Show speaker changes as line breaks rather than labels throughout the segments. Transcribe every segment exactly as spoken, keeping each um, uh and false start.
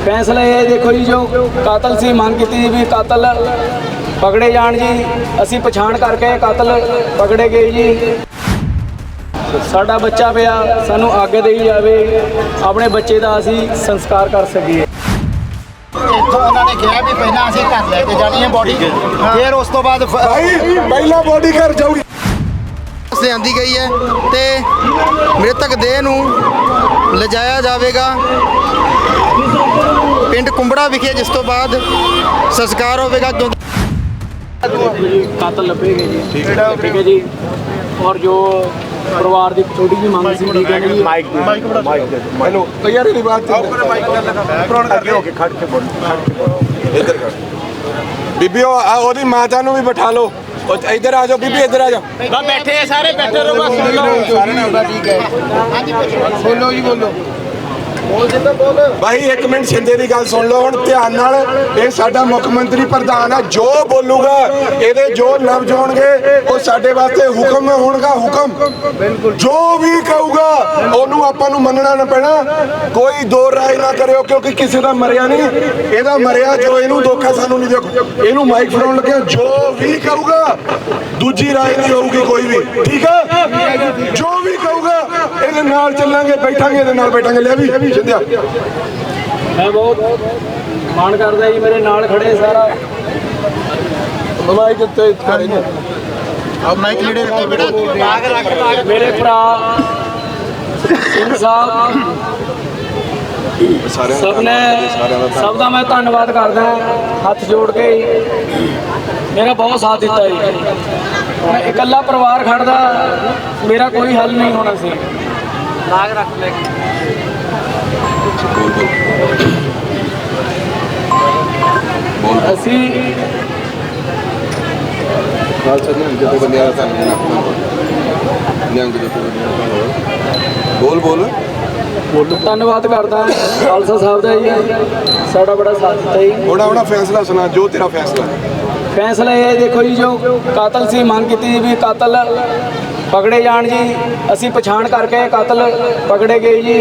फैसला ये देखो जी, जो कातल से मांग की थी भी कातल पकड़े जान जी, असी पछाण करके कातल पकड़े गए जी। साडा बच्चा पिया सानू आगे दई जावे, अपने बच्चे का असी संस्कार कर सकीए।
ਇੱਥੋਂ ਉਹਨਾਂ ਨੇ ਕਿਹਾ ਵੀ ਪਹਿਲਾਂ ਅਸੀਂ ਘਰ ਲੈ ਕੇ ਜਾਣੀ ਹੈ ਬੋਡੀ, ਫਿਰ ਉਸ ਤੋਂ ਬਾਅਦ
ਭਾਈ ਪਹਿਲਾਂ ਬੋਡੀ ਘਰ ਜਾਊਗੀ।
ਲਿਆਂਦੀ ਗਈ ਹੈ ਤੇ ਮ੍ਰਿਤਕ ਦੇਹ ਨੂੰ ਲਿਜਾਇਆ ਜਾਵੇਗਾ ਪਿੰਡ ਕੁੰਬੜਾ ਵਿਖੇ, ਜਿਸ ਤੋਂ ਬਾਅਦ ਸੰਸਕਾਰ ਹੋਵੇਗਾ।
कातल लभेगे जी, ठीक है ठीक है जी। और जो परिवार की छोटी जी मांग सी, ठीक है जी।
ਮਾਈਕ ਮਾਈਕ ਮਾਈਕ ਹੈਲੋ ਯਾਰ ਇਹ ਬਾਤ ਅੱਗੇ ਹੋ ਕੇ ਖੜ ਕੇ ਬੋਲ, ਖੜ ਕੇ ਬੋਲ। ਇੱਧਰ ਖੜ ਬੀਬੀਓ, ਆ ਉਹਦੀ ਮਾਤਾ ਨੂੰ ਵੀ ਬਿਠਾ ਲਓ। ਇੱਧਰ ਆ ਜਾਓ ਬੀਬੀ, ਇੱਧਰ ਆ ਜਾਓ।
ਬਸ ਬੈਠੇ ਆ ਸਾਰੇ, ਬੈਠੇ ਰਹੋ, ਬਸ ਸੁਣ ਲਓ ਸਾਰੇ ਨਾਲ। ਠੀਕ ਹੈ ਹਾਂਜੀ ਬੋਲੋ ਜੀ, ਬੋਲੋ ਬੋਲ ਜਿੰਦਾ ਬੋਲ
ਭਾਈ ਇੱਕ ਮਿੰਟ ਸਿੰਦੇ ਦੀ ਗੱਲ ਸੁਣ ਲਓ ਹੁਣ ਧਿਆਨ ਨਾਲ। ਇਹ ਸਾਡਾ ਮੁੱਖ ਮੰਤਰੀ ਪ੍ਰਧਾਨ ਹੈ, ਜੋ ਬੋਲੂਗਾ ਇਹਦੇ ਜੋ ਲਫ਼ਜ਼ ਹੋਣਗੇ ਉਹ ਸਾਡੇ ਵਾਸਤੇ ਹੁਕਮ ਹੋਣਗਾ। ਹੁਕਮ ਬਿਲਕੁਲ ਜੋ ਵੀ ਕਹੂਗਾ ਉਹਨੂੰ ਆਪਾਂ ਨੂੰ ਮੰਨਣਾ ਨਾ ਪੈਣਾ। ਕੋਈ ਦੋ ਰਾਏ ਨਾ ਕਰਿਓ, ਕਿਉਂਕਿ ਕਿਸੇ ਦਾ ਮਰਿਆ ਨਹੀਂ, ਇਹਦਾ ਮਰਿਆ ਜੋ ਇਹਨੂੰ ਧੋਖਾ ਸਾਨੂੰ ਨਹੀਂ ਦਿਓ। ਇਹਨੂੰ ਮਾਈਕ ਫੜਾਉਣ ਲੱਗਿਆ ਜੋ ਵੀ ਕਹੂਗਾ ਦੂਜੀ ਰਾਏ ਨਹੀਂ ਹੋਊਗੀ ਕੋਈ ਵੀ, ਠੀਕ ਹੈ। ਜੋ ਵੀ ਕਹੂਗਾ ਇਹਦੇ ਨਾਲ ਚੱਲਾਂਗੇ, ਬੈਠਾਂਗੇ ਇਹਦੇ ਨਾਲ ਬੈਠਾਂਗੇ। ਲੈ ਵੀ ਸਿੰਧਿਆ
मैं बहुत मान करदा जी, मेरे नाल खड़े सारा
ਮਾਈਕ ਉੱਤੇ ਖੜੇ ਨੇ।
अब माइक लीडर रखो बेटा,
मेरे भरा सिंह साहब सब ने सब का मैं धन्नवाद करदा, हथ जोड़ के मेरा बहुत साथ दिता जी। मैं इकल्ला परिवार खड़दा, मेरा कोई हल नहीं होना सी। नाग रख ले ਅਸੀਂ
ਨਾਲ ਚੱਲਣ ਜਦੋਂ ਬੰਦਿਆਂ ਦਾ ਸਾਨੂੰ ਨਿਹੰਗ ਦੇ ਬੋਲ ਬੋਲ
ਬੋਲ ਧੰਨਵਾਦ ਕਰਦਾ ਖਾਲਸਾ ਸਾਹਿਬ ਦਾ ਜੀ, ਸਾਡਾ ਬੜਾ ਸਾਥ ਦਿੱਤਾ ਜੀ।
ਥੋੜਾ ਥੋੜਾ ਫੈਸਲਾ ਸੁਣਾ, ਜੋ ਤੇਰਾ ਫੈਸਲਾ।
फैसला ये देखो जी, जो कातल से मांग की थी भी कातल पकड़े जान जी, असी पछाण करके कातल पकड़े गए जी।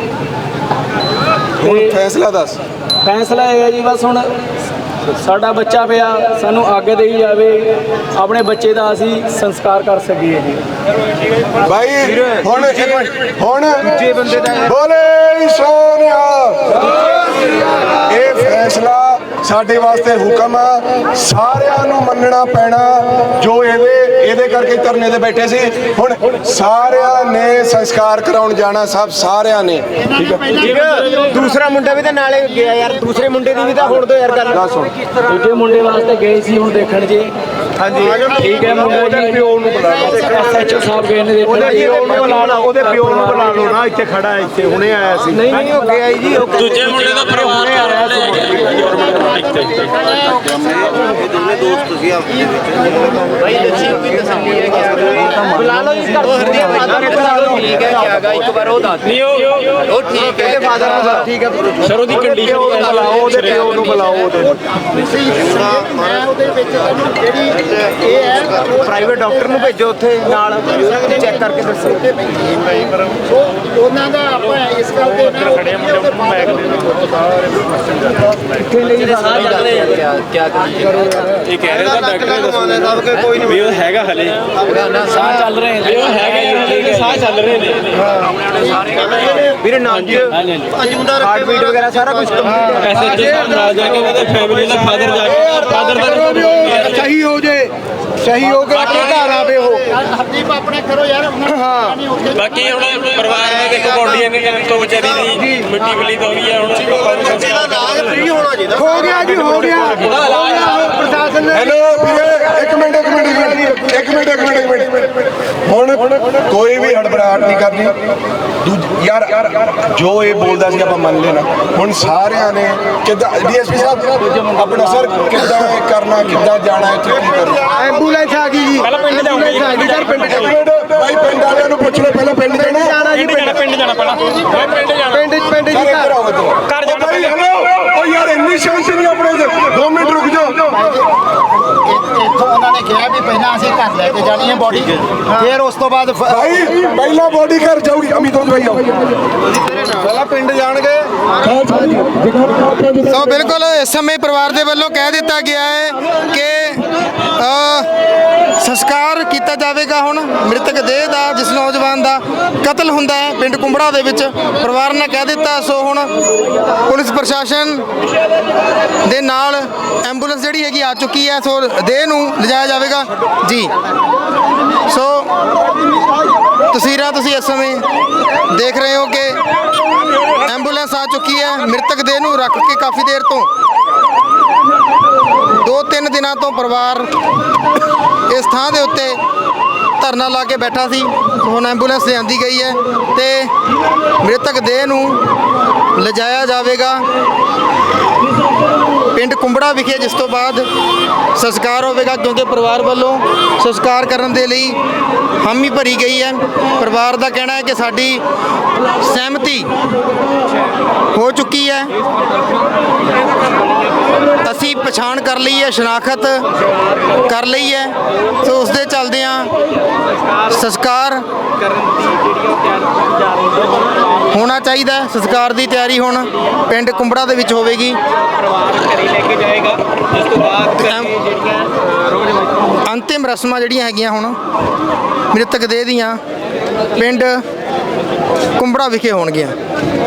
ਹੁਣ ਫੈਸਲਾ ਦੱਸ।
फैसला ये है जी, बस हुण साडा बच्चा पिया सानू आगे दई जावे, अपने बच्चे का असी संस्कार कर सकीए जी।
ਭਾਈ ਹੁਣ ਇੱਕ ਮਿੰਟ, ਹੁਣ ਦੂਜੇ ਬੰਦੇ ਦਾ ਬੋਲੇ ਸੋਨਿਆ। ਇਹ ਫੈਸਲਾ ਸਾਡੇ ਵਾਸਤੇ ਹੁਕਮ ਆ, ਸਾਰਿਆਂ ਨੂੰ ਮੰਨਣਾ ਪੈਣਾ। ਜੋ ਇਹਦੇ ਇਹਦੇ ਕਰਕੇ ਧਰਨੇ ਤੇ ਬੈਠੇ ਸੀ, ਹੁਣ ਸਾਰਿਆਂ ਨੇ ਸੰਸਕਾਰ ਕਰਾਉਣ ਜਾਣਾ, ਸਭ ਸਾਰਿਆਂ ਨੇ, ਠੀਕ ਹੈ।
ਦੂਸਰਾ ਮੁੰਡਾ ਵੀ ਤਾਂ ਨਾਲੇ ਗਿਆ ਯਾਰ, ਦੂਸਰੇ ਮੁੰਡੇ ਦੀ ਵੀ ਤਾਂ ਹੁਣ ਤੋਂ ਯਾਰ ਗੱਲ
ਸੁਣ।
ਦੂਜੇ ਮੁੰਡੇ ਵਾਸਤੇ ਗਏ ਸੀ ਹੁਣ ਦੇਖਣ ਜੀ।
ਹਾਂਜੀ
ਠੀਕ ਹੈ, ਮੁੰਡਾ ਜੀ ਪਿਓ ਨੂੰ ਬੁਲਾ ਲਓ, ਐਸਐਚਓ ਸਾਹਿਬ ਗਏ ਨੇ ਦੇਖਣ।
ਉਹਦੇ ਪਿਓ ਨੂੰ ਬੁਲਾ ਲਓ, ਉਹਦੇ ਪਿਓ ਨੂੰ ਬੁਲਾ ਲਓ ਨਾ, ਇੱਥੇ ਖੜਾ ਹੈ, ਇੱਥੇ ਹੁਣੇ ਆਇਆ ਸੀ।
ਨਹੀਂ ਨਹੀਂ, ਉਹ ਗਿਆ ਜੀ, ਉਹ
ਦੂਜੇ ਮੁੰਡੇ ਦਾ ਪਰਿਵਾਰ ਆ ਰਿਹਾ ਸੀ।
ਦੋਨੇ ਦੋਸਤ ਸੀ ਆਪਣੇ ਵਿੱਚ ਭਾਈ ਦੱਸੀ ਵੀ ਤਸੱਲੀ ਹੈ ਕਿ ਬੁਲਾ ਲਓ ਇਸ ਘਰ ਦੇ ਫਾਦਰ ਨੂੰ। ਠੀਕ ਹੈ ਕਿ ਆਗਾ ਇੱਕ ਵਾਰ ਉਹ ਦੱਸ
ਨਹੀਂ ਉਹ
ਉਹ ਠੀਕ ਹੈ ਫਾਦਰ ਨੂੰ, ਠੀਕ ਹੈ
ਸਰੋਂ ਦੀ ਕੰਡੀਸ਼ਨ
ਬੁਲਾਓ, ਉਹਦੇ ਪਿਓ ਨੂੰ ਬੁਲਾਓ। ਉਹਦੇ
ਮੈਂ ਉਹਦੇ ਵਿੱਚ ਜਿਹੜੀ ਇਹ ਹੈ ਪ੍ਰਾਈਵੇਟ ਡਾਕਟਰ ਨੂੰ ਭੇਜੋ ਉੱਥੇ ਨਾਲ, ਚੈੱਕ ਕਰਕੇ ਦੱਸੋ। ਉਹ ਉਹਨਾਂ ਦਾ ਆਪਾਂ ਇਸ ਗੱਲ ਦੇ ਨਾਲ ਖੜੇ ਮੁੰਡੇ ਨੂੰ ਬੈਗ ਦੇ ਕਿੱਥੇ ਲਈ ਸਾਹ ਚੱਲ ਰਹੇ ਆ ਕਿਆ
ਇਹ ਕਹਿ ਰਿਹਾ ਤਾਂ ਡਾਕਟਰ ਨੇ ਦੱਸਿਆ ਕੋਈ ਨਹੀਂ ਵੀ ਉਹ ਹੈਗਾ ਹਲੇ
ਸਾਹ ਚੱਲ ਰਹੇ ਨੇ,
ਉਹ ਹੈਗਾ ਹੀ ਉਹਦੇ ਸਾਹ ਚੱਲ ਰਹੇ ਨੇ।
ਵੀਰੇ ਨਾਮ ਜੀ ਹਾਰਟ ਬੀਟ ਵਗੈਰਾ ਸਾਰਾ ਕੁਝ ਕੰਪਲੀਟ ਹੈ।
ਐਸਐਚਓ ਸਾਹਿਬ ਨਾਲ ਜਾ ਕੇ ਉਹਦੇ ਫੈਮਿਲੀ ਦਾ ਫਾਦਰ ਜਾ ਕੇ ਫਾਦਰ ਦਾ
ਸਹੀ ਹੋ ਜੇ, ਸਹੀ ਹੋ ਕੇ ਆਪਣੇ ਘਰ ਆਵੇ ਉਹ।
ਹਰਦੀਪ ਆਪਣੇ ਕਰੋ ਯਾਰ। ਹਾਂ
ਬਾਕੀ ਹੁਣ ਪਰਿਵਾਰ ਨੇ ਦੇਖੋ ਬੋਡੀਆਂ ਨੇ ਤੋਂ ਵਿਚਾਰੀ ਦੀ ਮਿੱਟੀ ਮਿਲੀ ਤੋਂ ਵੀ ਹੈ ਹੁਣ
ਬੱਚੇ ਦਾ ਇਲਾਜ ਫ੍ਰੀ ਹੋਣਾ ਚਾਹੀਦਾ।
ਹੋ ਗਿਆ ਜੀ, ਹੋ ਗਿਆ ਪ੍ਰਸ਼ਾਸਨ ਨੇ। ਹੈਲੋ ਵੀਰੇ, ਇੱਕ ਮਿੰਟ ਇੱਕ ਮਿੰਟ ਇੱਕ ਮਿੰਟ ਇੱਕ ਮਿੰਟ ਇੱਕ ਮਿੰਟ ਇੱਕ ਮਿੰਟ ਹੁਣ ਕੋਈ ਵੀ ਹੜਬੜਾਹਟ ਨਹੀਂ ਕਰਨੀ। ਦੂਜ ਯਾਰ ਜੋ ਇਹ ਬੋਲਦਾ ਸੀ ਆਪਾਂ ਮੰਨ ਲੈਣਾ। ਹੁਣ ਸਾਰਿਆਂ ਨੇ ਕਿੱਦਾਂ ਡੀਐਸਪੀ ਸਾਹਿਬ ਆਪਣਾ ਸਰ ਕਿੱਦਾਂ ਕਰਨਾ, ਕਿੱਦਾਂ ਜਾਣਾ, ਇੱਥੇ ਕੀ ਕਰਨਾ। ਐਂਬੂਲੈਂਸ ਆ ਗਈ ਜੀ,
ਪਹਿਲਾਂ ਪਿੰਡ ਜਾਊਂਗੀ
ਆ ਗਈ ਸਰ। ਪਿੰਡ ਭਾਈ ਪਿੰਡ ਵਾਲਿਆਂ ਨੂੰ ਪੁੱਛ ਲਓ, ਪਹਿਲਾਂ ਪਿੰਡ ਜਾਣਾ ਜੀ।
ਪਿੰਡ ਪਿੰਡ ਜਾਣਾ ਪਹਿਲਾਂ ਮੈਂ ਪਿੰਡ ਜਾਣਾ
ਪਿੰਡ ਪਿੰਡ ਜੀ ਘਰ
ਘਰ ਜਾ
ਭਾਈ। ਹੈਲੋ ਉਹ ਯਾਰ ਇੰਨੀ ਸ਼ਾਂਤੀ ਨਹੀਂ ਆਪਣੇ ਚ, ਦੋ ਮਿੰਟ ਰੁਕ ਜਾਓ।
ਇੱਥੋਂ ਉਹਨਾਂ ਨੇ ਕਿਹਾ ਵੀ ਪਹਿਲਾਂ ਅਸੀਂ ਘਰ ਲੈ ਕੇ ਜਾਣੀ ਹੈ ਬੋਡੀ, ਫਿਰ ਉਸ ਤੋਂ ਬਾਅਦ
ਭਾਈ ਪਹਿਲਾਂ ਬੋਡੀ ਘਰ ਜਾਊਗੀ। ਅਮਿਤ ਭਾਈ ਆਓ। ਪਹਿਲਾਂ ਪਿੰਡ ਜਾਣਗੇ।
ਸੋ ਬਿਲਕੁਲ ਇਸ ਸਮੇਂ ਪਰਿਵਾਰ ਦੇ ਵੱਲੋਂ ਕਹਿ ਦਿੱਤਾ ਗਿਆ ਹੈ ਕਿ ਅ, ਸੰਸਕਾਰ ਕੀਤਾ ਜਾਵੇਗਾ ਹੁਣ ਮ੍ਰਿਤਕ ਦੇਹ ਦਾ, ਜਿਸ ਨੌਜਵਾਨ ਦਾ ਕਤਲ ਹੁੰਦਾ ਹੈ ਪਿੰਡ ਕੁੰਬੜਾ ਦੇ ਵਿੱਚ। ਪਰਿਵਾਰ ਨੇ ਕਹਿ ਦਿੱਤਾ। ਸੋ ਹੁਣ ਪੁਲਿਸ ਪ੍ਰਸ਼ਾਸਨ ਦੇ ਨਾਲ ਐਂਬੂਲੈਂਸ ਜਿਹੜੀ ਹੈਗੀ ਆ ਚੁੱਕੀ ਹੈ। ਸੋ ਦੇਹ ਨੂੰ ਲਿਜਾਇਆ ਜਾਵੇਗਾ ਜੀ। ਸੋ ਤਸਵੀਰਾਂ ਤੁਸੀਂ ਇਸ ਸਮੇਂ ਦੇਖ ਰਹੇ ਹੋ ਕਿ ਐਂਬੂਲੈਂਸ ਆ ਚੁੱਕੀ ਹੈ। ਮ੍ਰਿਤਕ ਦੇਹ ਨੂੰ ਰੱਖ ਕੇ ਕਾਫੀ ਦੇਰ ਤੋਂ ਦੋ ਤਿੰਨ ਦਿਨਾਂ ਤੋਂ ਪਰਿਵਾਰ ਇਸ ਥਾਂ ਦੇ ਉੱਤੇ ਧਰਨਾ ਲਾ ਕੇ ਬੈਠਾ ਸੀ। ਹੁਣ ਐਂਬੂਲੈਂਸ ਲਿਆਂਦੀ ਗਈ ਹੈ ਤੇ ਮ੍ਰਿਤਕ ਦੇਹ ਨੂੰ ਲਿਜਾਇਆ ਜਾਵੇਗਾ ਪਿੰਡ ਕੁੰਬੜਾ ਵਿਖੇ, ਜਿਸ ਤੋਂ ਬਾਅਦ ਸੰਸਕਾਰ ਹੋਵੇਗਾ, ਕਿਉਂਕਿ ਪਰਿਵਾਰ ਵੱਲੋਂ ਸੰਸਕਾਰ ਕਰਨ ਦੇ ਲਈ ਹਾਮੀ ਭਰੀ ਗਈ ਹੈ। ਪਰਿਵਾਰ ਦਾ ਕਹਿਣਾ ਹੈ ਕਿ ਸਾਡੀ ਸਹਿਮਤੀ ਹੋ ਚੁੱਕੀ ਹੈ, ਅਸੀਂ ਪਛਾਣ ਕਰ ਲਈ ਹੈ, ਸ਼ਨਾਖਤ ਕਰ ਲਈ ਹੈ। ਸੋ ਉਸ ਦੇ ਚੱਲਦਿਆਂ ਸੰਸਕਾਰ ਹੋਣਾ ਚਾਹੀਦਾ ਹੈ। ਸੰਸਕਾਰ ਦੀ ਤਿਆਰੀ ਹੁਣ ਪਿੰਡ ਕੁੰਬੜਾ ਦੇ ਵਿੱਚ ਹੋਵੇਗੀ। ਅੰਤਿਮ ਰਸਮਾਂ ਜਿਹੜੀਆਂ ਹੈਗੀਆਂ ਹੁਣ ਮ੍ਰਿਤਕ ਦੇਹ ਦੀਆਂ ਪਿੰਡ ਕੁੰਬੜਾ ਵਿਖੇ ਹੋਣਗੀਆਂ।